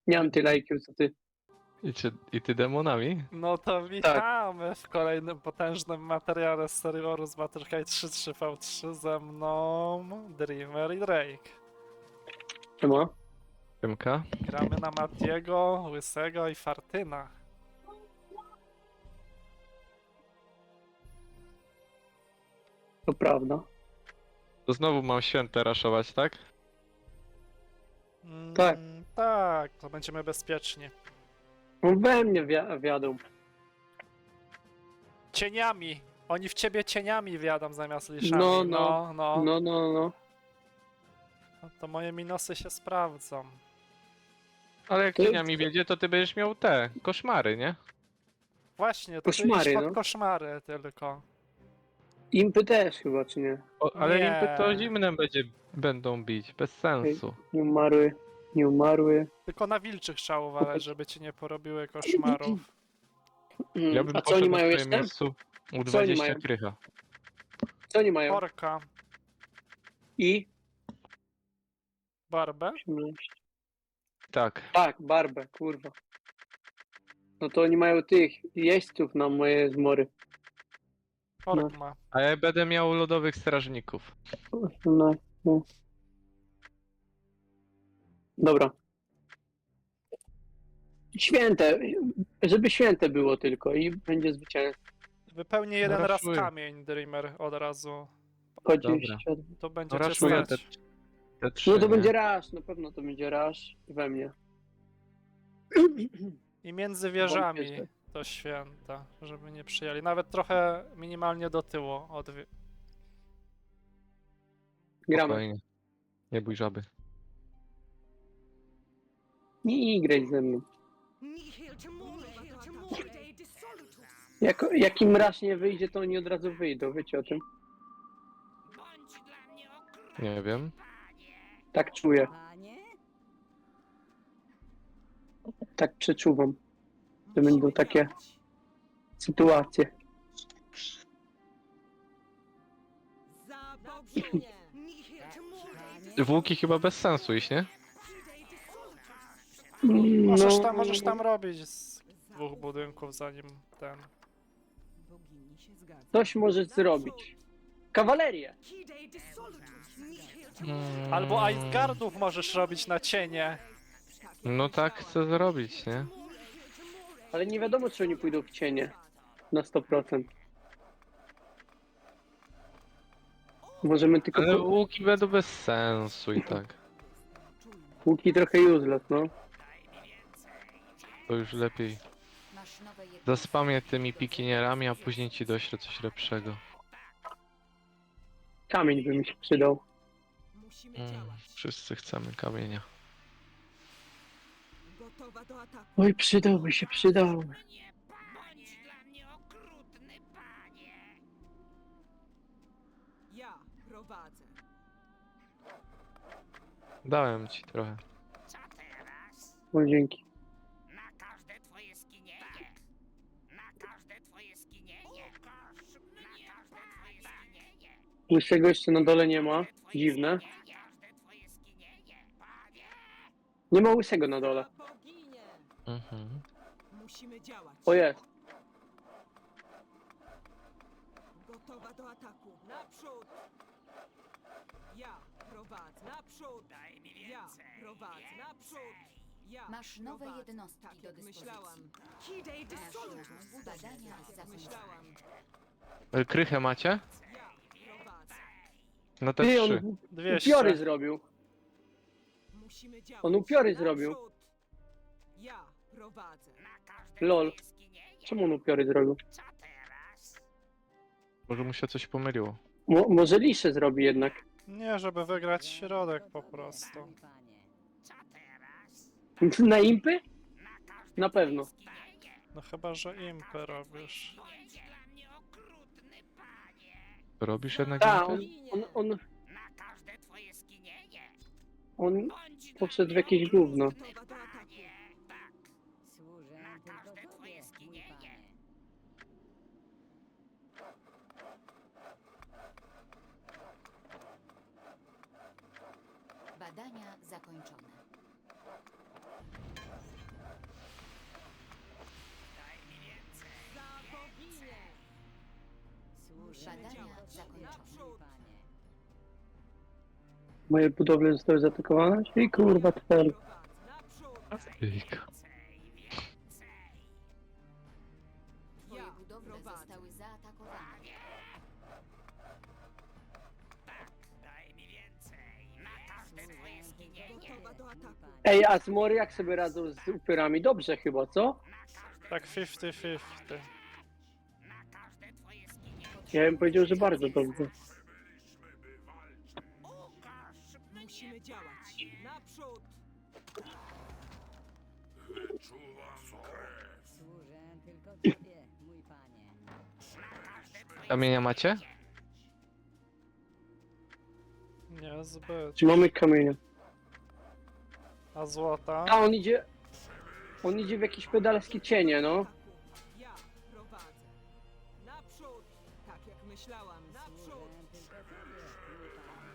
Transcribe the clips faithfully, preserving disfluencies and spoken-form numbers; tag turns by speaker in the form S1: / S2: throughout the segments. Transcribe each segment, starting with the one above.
S1: Nie mam tyle I Q co ty.
S2: I, czy, I ty demonami?
S3: No to witamy w kolejnym potężnym materiale z serii Warus Battlecry trzy trzy V trzy ze mną Dreamer i Drake.
S1: Czemu?
S2: Tymka?
S3: Gramy na Matiego, Łysego i Fartyna.
S1: To prawda.
S2: To znowu mam święte raszować, tak?
S3: Mm,
S1: Tak.
S3: Tak, to będziemy bezpieczni.
S1: On we mnie wi- wiadą.
S3: Cieniami! Oni w ciebie cieniami wiadą zamiast liszami.
S1: No,
S3: no.
S1: no.
S3: no.
S1: No, no, no.
S3: No to moje minusy się sprawdzą.
S2: Ale jak
S1: To-
S2: cieniami wiedzie, to ty będziesz miał te koszmary, nie?
S3: Właśnie, to
S1: Koszmary,
S3: ty idź pod
S1: no.
S3: koszmary tylko.
S1: Impy też chyba, czy nie?
S2: O, ale
S3: Nie.
S2: impy to zimnem będzie, będą bić, bez sensu.
S1: Nie umarły. Nie umarły.
S3: Tylko na wilczych trzeba uważać, żeby ci nie porobiły koszmarów.
S1: Mm,
S2: Ja bym
S1: A co oni
S2: poszedł na
S1: mają
S2: twoim
S1: jeszcze?
S2: miejscu u
S1: oni
S2: dwadzieścia
S1: mają?
S2: krycha.
S1: Co oni mają?
S3: Orka,
S1: I?
S3: barbę.
S1: osiemnaście.
S2: Tak.
S1: Tak, barbę, kurwa. No to oni mają tych jeźdźców na moje zmory.
S3: Ork
S1: No.
S3: ma.
S2: A ja będę miał lodowych strażników.
S1: No, no. Dobra. Święte, żeby święte było tylko i będzie zwycięstwo.
S3: Wypełni jeden raz
S2: raszuję.
S3: kamień, Dreamer, od razu.
S1: dwadzieścia.
S3: To będzie
S2: No
S3: cię
S2: raszuję te,
S3: stać.
S2: te trzy,
S1: No to
S2: nie?
S1: będzie rasz, na pewno to będzie rasz we mnie.
S3: I między wieżami
S1: Wątpię, że-
S3: to święta, żeby nie przyjęli. Nawet trochę minimalnie do tyłu. Od... wie-
S1: Gramy.
S2: Spokojnie. Nie bój żaby.
S1: Nie graj ze mną. Jak, jak im rasz nie wyjdzie, to oni od razu wyjdą, wiecie o tym?
S2: Nie wiem.
S1: Tak czuję,
S4: Panie?
S1: tak przeczuwam. To będą takie sytuacje.
S4: Za boginię!
S2: W chyba bez sensu iść, nie?
S3: Możesz
S1: No,
S3: tam, możesz tam robić z dwóch budynków zanim ten...
S4: Bogini się zgadza.
S1: Coś możesz zrobić. Kawalerię!
S2: Mm,
S3: Albo Iceguardów możesz robić na cienie.
S2: No tak chcę zrobić, nie?
S1: Ale nie wiadomo, czy oni pójdą w cienie. Na sto procent. Możemy tylko...
S2: Ale
S1: po-
S2: łuki będą bez sensu i tak.
S1: Łuki trochę useless, no.
S2: To już lepiej.
S4: Masz nowe jednostki.
S2: Zaspamię tymi pikinierami, a później ci doślę coś lepszego.
S1: Kamień by mi się przydał.
S4: Musimy
S2: Mm,
S4: działać.
S2: wszyscy chcemy kamienia.
S4: Gotowa do ataku.
S1: Oj, przydałby się, przydałby.
S4: Ja prowadzę.
S2: Dałem ci trochę.
S1: O, dzięki.
S5: Na każde twoje skinienie. Na każde twoje skinienie. Na każde twoje skinienie.
S1: Łysego jeszcze na dole nie ma. Dziwne.
S5: Każde twoje skinienie. Panie!
S1: Nie ma łysego na dole.
S4: Za boginię!
S2: Mhm.
S4: Musimy działać.
S1: O, jest.
S4: Gotowa do ataku. Naprzód! Ja prowadzę. Naprzód!
S5: Daj mi
S4: Ja
S5: więcej.
S4: prowadzę. Naprzód! Ja
S6: Masz nowe
S4: prowadzę.
S6: jednostki
S4: Tak
S6: do
S4: jak
S6: dyspozycji.
S4: myślałam.
S6: Masz badania
S4: Tak jak
S6: zakończone.
S4: myślałam.
S2: E, Krychę macie?
S4: Ja prowadzę.
S2: No te
S1: Ty,
S2: trzy.
S1: on
S3: dwieście.
S1: upiory zrobił.
S4: Musimy działać.
S1: On upiory zrobił.
S4: Naprzód! Ja prowadzę.
S5: Na każde
S1: Lol.
S5: twoje skinienie.
S1: Czemu on upiory zrobił?
S5: Co teraz?
S2: Może mu się coś pomyliło.
S1: Mo może lisze zrobi jednak.
S3: Nie, żeby wygrać środek po prostu.
S4: Panie.
S5: Co teraz?
S1: Na impy?
S5: Na każde
S1: Na pewno.
S5: skinienie.
S3: No chyba, że impy robisz.
S5: Bądź dla mnie okrutny, panie.
S2: Robisz jednak
S1: Tak,
S2: impy?
S1: on, on, on,
S5: Na każde twoje skinienie.
S1: on
S5: Bądź dla
S1: poszedł w
S5: mnie
S1: jakieś gówno.
S4: Gotowa do ataku.
S5: panie. Tak.
S4: Służę
S5: Na
S4: tylko
S5: każde
S4: tobie,
S5: twoje
S4: mój
S5: skinienie.
S4: panie.
S6: Badania zakończone.
S1: Moje budowle zostały zaatakowane? I kurwa twer.
S4: Naprzód!
S2: Jejka.
S6: Twoje
S4: Ja
S6: budowle
S4: prowadzę.
S6: zostały zaatakowane.
S5: Daj mi więcej. Na każde twoje skinienie.
S4: Gotowa do ataku.
S1: Ej, a zmory jak sobie radzą z upyrami? Dobrze chyba, co?
S3: Tak pięćdziesiąt pięćdziesiąt.
S5: Na każde twoje skinienie.
S1: Ja bym powiedział, że bardzo dobrze.
S5: Ukaż mnie.
S4: Musimy działać. Naprzód!
S6: Służę tylko tobie, mój panie.
S2: Kamienia macie?
S3: Niezbyt.
S1: Czy mamy kamienia?
S3: A złota?
S1: A on idzie... On idzie w jakieś pedalskie cienie, no.
S4: Ja prowadzę. Naprzód! Tak jak myślałam. Naprzód!
S6: Służę tylko tobie, mój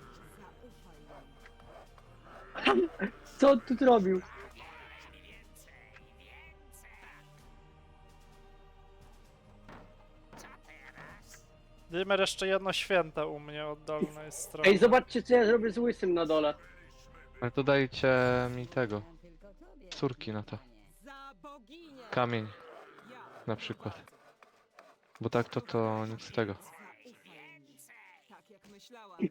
S6: panie.
S4: Zaufaj mi.
S1: Co on tu zrobił?
S3: Dimmer jeszcze jedno święte u mnie od dolnej strony.
S1: Ej, zobaczcie co ja zrobię z łysym na dole.
S2: Ale to dajcie mi tego.
S6: Służę tylko tobie,
S2: Córki
S6: mój
S2: na to.
S6: panie.
S4: Za boginię!
S2: Kamień
S4: Ja
S2: na przykład. Bo tak to to nic z tego.
S4: zaufaj mi. Tak jak myślałam.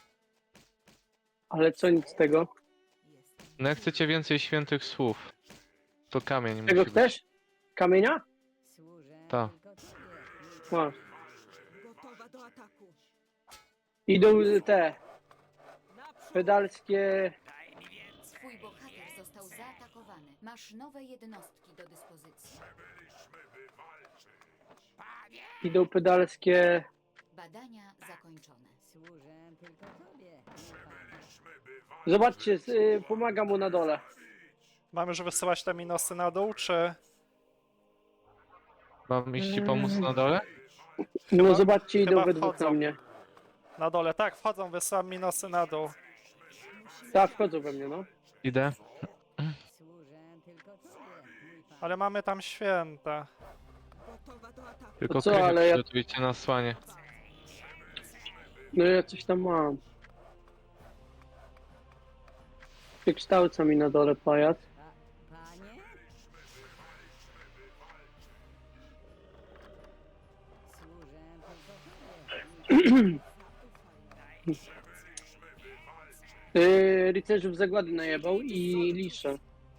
S1: Ale co nic z tego?
S4: Jestem.
S2: No jak chcecie więcej świętych słów, to kamień
S1: Czego
S2: musi być.
S1: chcesz? Kamienia?
S6: Służę
S2: Ta.
S6: tylko tobie, mój panie.
S1: Masz.
S4: Gotowa do ataku.
S1: Idą te
S4: Naprzód!
S1: pedalskie...
S6: Twój bohater został zaatakowany. Masz nowe jednostki do dyspozycji.
S1: Idą pedalskie...
S6: Badania zakończone. Służę tylko tobie, mój panie.
S1: Zobaczcie, z- y, pomaga mu na dole.
S3: Mamy już wysyłać te minusy na dół, czy...
S2: Mam iść ci pomóc na dole?
S1: No
S3: Chyba-
S1: zobaczcie, idą
S3: chyba
S1: we dwóch
S3: wchodzą.
S1: na mnie.
S3: Na dole, tak, wchodzą, wysyłam minusy na dół.
S1: Tak, wchodzą we mnie, no.
S2: Idę.
S6: Służę tylko tobie, mój panie.
S3: Ale mamy tam święta.
S4: Gotowa do ataku.
S2: Tylko
S1: co,
S2: krychy
S1: ale ja-
S2: przygotujcie na słanie.
S1: No ja coś tam mam. Wykształca mi na dole pajac.
S6: Pa, panie? Służę tylko tobie, mój panie.
S1: Yy, rycerzów zagłady najebał i lisze.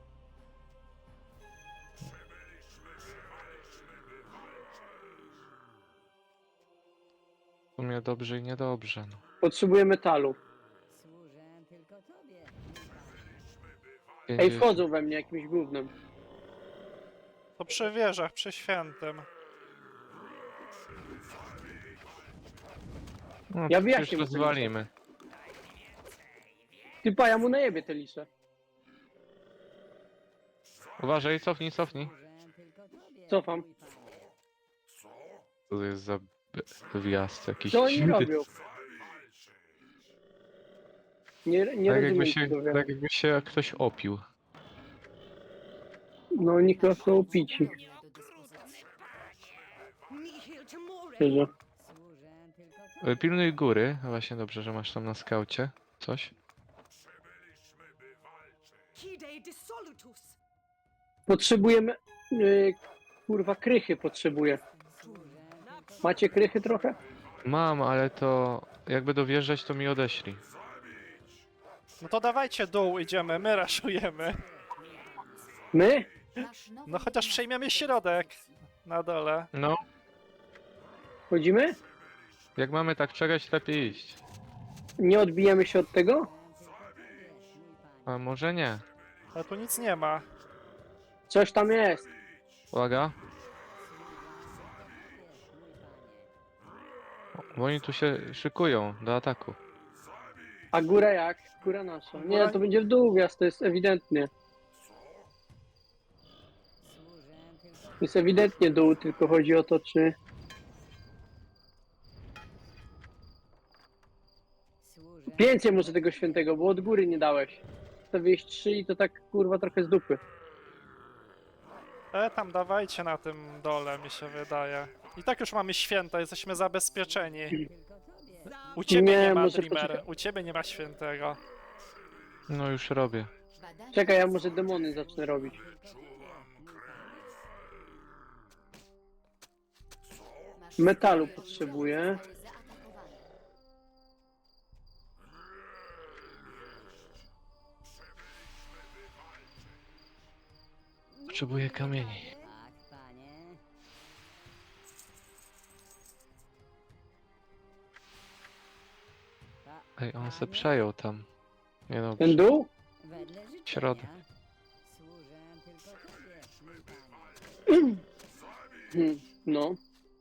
S2: W sumie dobrze i niedobrze. No.
S1: Potrzebuję metalu.
S6: Służę tylko tobie, mój panie.
S1: Ej,
S2: pięćdziesiąt.
S1: wchodzą we mnie jakimś gównem.
S3: To przy wieżach, przy świętym.
S2: No,
S1: Ja
S2: to
S1: wyjaśnię
S2: już
S1: mu to
S2: rozwalimy.
S1: Ty pa, ja mu najebie te lisze.
S2: Uważaj, cofnij, cofnij.
S6: Służę tylko tobie,
S1: Cofam.
S6: mój panie.
S2: Co to jest za b- wjazd jakiś
S1: Co oni
S2: dziwny.
S1: robią? Nie, nie
S2: Tak
S1: rozumiem
S2: jakby, się,
S1: tego.
S2: tak jakby się ktoś opił.
S1: No oni chyba są pici,
S6: Budowle do dyspozycji.
S4: Nihil Temore!
S1: szczerze.
S6: Służę tylko
S2: E,
S6: tobie.
S2: Pilnuj góry. Właśnie dobrze, że masz tam na skaucie coś.
S4: Hidei dissolutus!
S1: Potrzebujemy... Yy, kurwa, krychy potrzebuję. Macie krychy trochę?
S2: Mam, ale to jak będą wjeżdżać, to mi odeślij.
S3: No to dawajcie dół, idziemy, my raszujemy.
S1: My?
S6: Masz nowe
S3: No chociaż
S6: jednostki
S3: przejmiemy
S6: do
S3: środek.
S6: dyspozycji.
S3: Na dole.
S2: No,
S1: Chodzimy?
S2: jak mamy tak czekać, lepiej iść.
S1: Nie odbijamy się od tego?
S6: Służę tylko tobie, mój panie.
S2: A może nie.
S3: Ale tu nic nie ma.
S1: Coś tam jest.
S2: Uwaga, bo oni tu się szykują do ataku.
S1: A góra jak? Góra nasza. Nie, to będzie w dół wjazd, to jest ewidentnie.
S6: Służę tylko
S1: To jest ewidentnie dół, tylko chodzi o to, czy...
S6: Służę
S1: Więcej może tego świętego, bo od góry nie dałeś. To wyjść trzy i to tak kurwa trochę z dupy.
S3: E, tam dawajcie na tym dole, mi się wydaje. I tak już mamy święta, jesteśmy zabezpieczeni.
S6: tylko tobie.
S3: U ciebie nie,
S1: Nie,
S3: ma
S1: może
S3: Dreamer,
S1: poczekaj.
S3: u ciebie nie ma świętego.
S2: No już robię.
S6: Badania
S1: Czekaj, ja może demony zacznę robić.
S6: Maszynowe
S1: Metalu
S6: jednostki
S1: potrzebuję.
S6: zostały zaatakowane.
S2: Potrzebuję kamieni.
S7: Tak, panie. Ta-
S2: Ej, on se
S7: panie,
S2: przejął tam. Nie no,
S1: Ten dół?
S7: Wedle życzenia.
S2: Środek.
S7: Służę tylko tobie, mój panie.
S1: Hmm, no.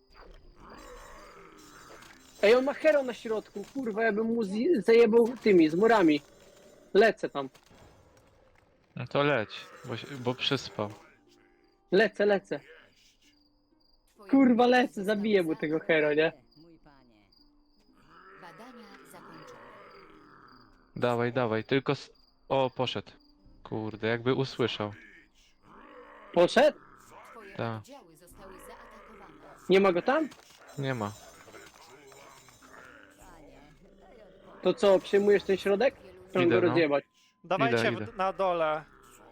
S1: Ej, on ma hero na środku. Kurwa, ja bym mu zje- zajebał tymi, z murami. Lecę tam.
S2: no to leć, bo, się- bo przyspał.
S1: Lecę, lecę.
S6: Twoje
S1: Kurwa,
S6: budowle
S1: lecę,
S6: zostały
S1: zabiję mu tego
S6: zaatakowane.
S1: hero, nie?
S7: Mój panie.
S6: Badania zakończone.
S2: Dawaj, dawaj, tylko... s- O, poszedł. Kurde, jakby usłyszał.
S1: Poszedł?
S6: Twoje
S2: Tak.
S6: oddziały zostały zaatakowane.
S1: Nie ma go tam?
S2: Nie ma.
S1: To co, przyjmujesz ten środek? Chcę
S2: Idę,
S1: go
S2: no.
S1: rozjebać.
S3: Dawajcie
S2: idę.
S3: w, na dole.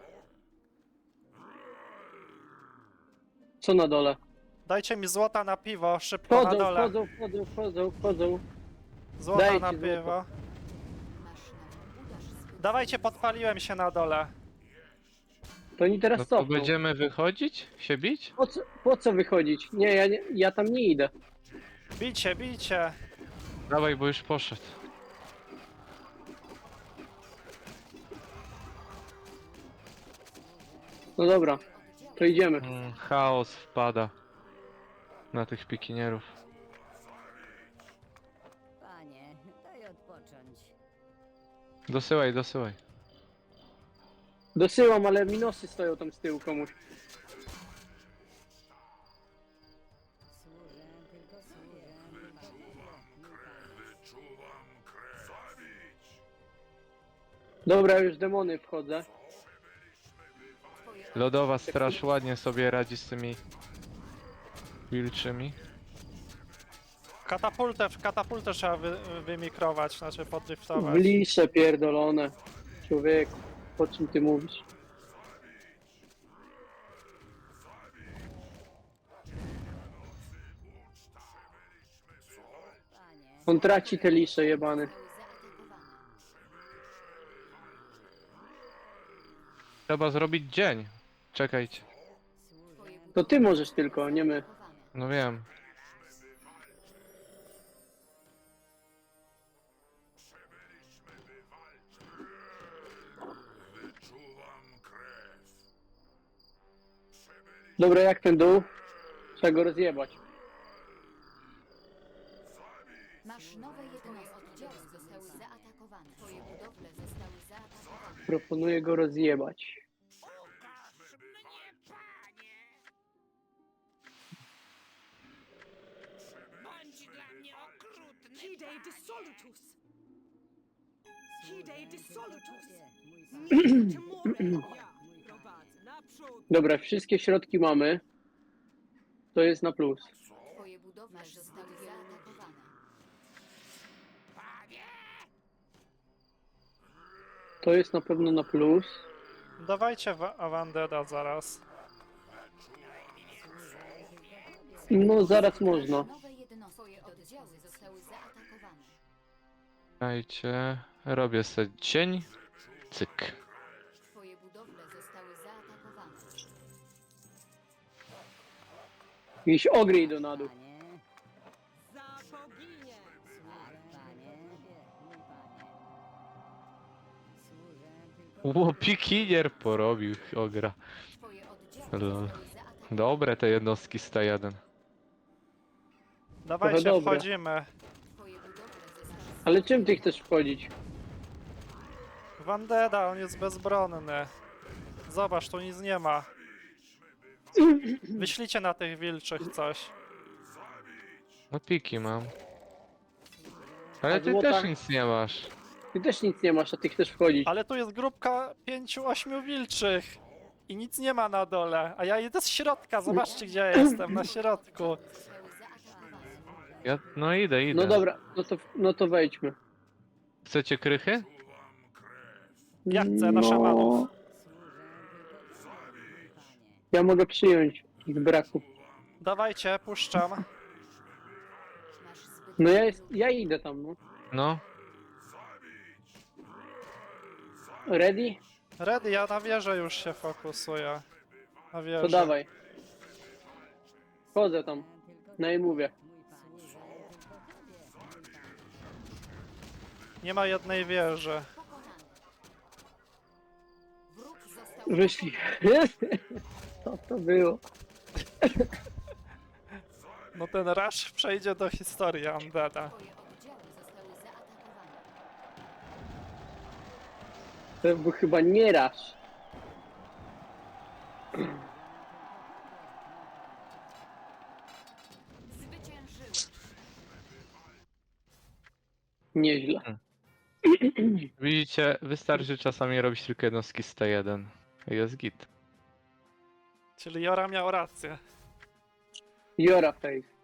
S1: Co na dole?
S3: Dajcie mi złota na piwo, szybko na
S1: Wchodzą,
S3: dole.
S1: wchodzą, wchodzą, wchodzą, wchodzą.
S3: Złota
S1: Dajcie
S3: na
S1: złoto.
S3: piwo.
S6: Masz nowy uderz z
S3: Dawajcie, podpaliłem się na dole.
S1: To oni teraz
S2: No to
S1: cofną.
S2: będziemy wychodzić? Się bić?
S1: Po co, po co wychodzić? Nie ja, nie, ja tam nie idę.
S3: Bicie, bicie.
S2: Dawaj, bo już poszedł.
S1: No dobra, to idziemy.
S2: Mm, chaos wpada na tych pikinierów.
S7: Panie, daj odpocząć.
S2: Dosyłaj, dosyłaj.
S1: Dosyłam, ale minosy stoją tam z tyłu komuś.
S7: Służę tylko sobie, mój panie. Mój panie.
S1: Dobra, już demony wchodzę.
S6: Twoje
S2: Lodowa straż ładnie sobie radzi z tymi wilczymi.
S3: Katapultę, katapultę trzeba wy, wymikrować, znaczy
S1: W
S3: podriftować.
S1: lisze pierdolone. Człowieku, o czym ty mówisz?
S7: Panie.
S1: On traci te lisze jebany.
S6: zostały zaatakowane.
S2: Trzeba zrobić dzień. Czekajcie.
S6: Twoje
S1: To ty możesz tylko, nie my.
S6: zaatakowane.
S2: No wiem.
S1: Dobra, jak ten dół? Trzeba go rozjebać.
S6: Masz nowe jednostki. Oddziały zostały zaatakowane. Twoje budowle zostały zaatakowane.
S1: Proponuję go rozjebać.
S5: Ukaż mnie, panie! Bądź dla mnie okrutny,
S4: Hidei dissolutus. Hidei dissolutus.
S7: Mój panie.
S4: Nihil timorem. Ja prowadzę naprzód.
S1: Dobra, wszystkie środki mamy. To jest na plus.
S6: Twoje budowle zostały zaatakowane.
S5: panie!
S1: To jest na pewno na plus.
S3: Dawajcie wa- Awandeda zaraz.
S1: No zaraz można.
S6: Nowe jednostki. Twoje oddziały zostały zaatakowane.
S2: Dajcie. Robię sobie cień. Cyk.
S6: Twoje budowle zostały zaatakowane.
S1: Jakieś ogry idą na dół.
S7: Panie.
S4: Za boginię.
S7: Tak, panie. Mój panie. Służę tylko
S2: Ło, pikinier porobił ogra.
S6: Twoje oddziały
S2: Lol.
S6: zostały zaatakowane.
S2: Dobre te jednostki sta jeden.
S3: Dawajcie,
S1: dobre.
S3: wchodzimy.
S6: Twoje budowle zostały
S1: Ale czym ty chcesz wchodzić?
S3: Wandeda, on jest bezbronny. Zobacz, tu nic nie ma. Wyślijcie na tych wilczych coś.
S2: No piki mam. Ale
S1: A
S2: ty
S1: złota?
S2: też nic nie masz.
S1: Ty też nic nie masz, a ty chcesz wchodzić.
S3: Ale tu jest grupka pięciu, ośmiu wilczych. I nic nie ma na dole. A ja idę z środka, zobaczcie gdzie ja jestem, na środku.
S6: zostały zaatakowane.
S2: Ja, no idę, idę.
S1: No dobra, no to, no to wejdźmy.
S2: Chcecie krychy?
S3: Ja chcę na szamanów.
S1: Ja mogę przyjąć ich braku.
S3: Dawajcie, puszczam.
S6: Masz zbyt
S1: No ja, jest, ja idę tam, no.
S2: No,
S1: Ready?
S3: Ready, ja na wieżę już się fokusuję. Na wieżę.
S1: To dawaj. Chodzę tam. No i mówię.
S3: Nie ma jednej wieży.
S6: pokonany. Wróg został
S1: Wyszli. Co to było?
S3: No ten rush przejdzie do historii Undeada.
S6: Twoje oddziały zostały zaatakowane.
S1: To był chyba nie raz.
S6: Zwyciężyłeś.
S1: Nieźle.
S2: widzicie, wystarczy czasami robić tylko jednostki z T jeden. Jest git.
S3: Czyli Jora miał rację.
S1: Jora face.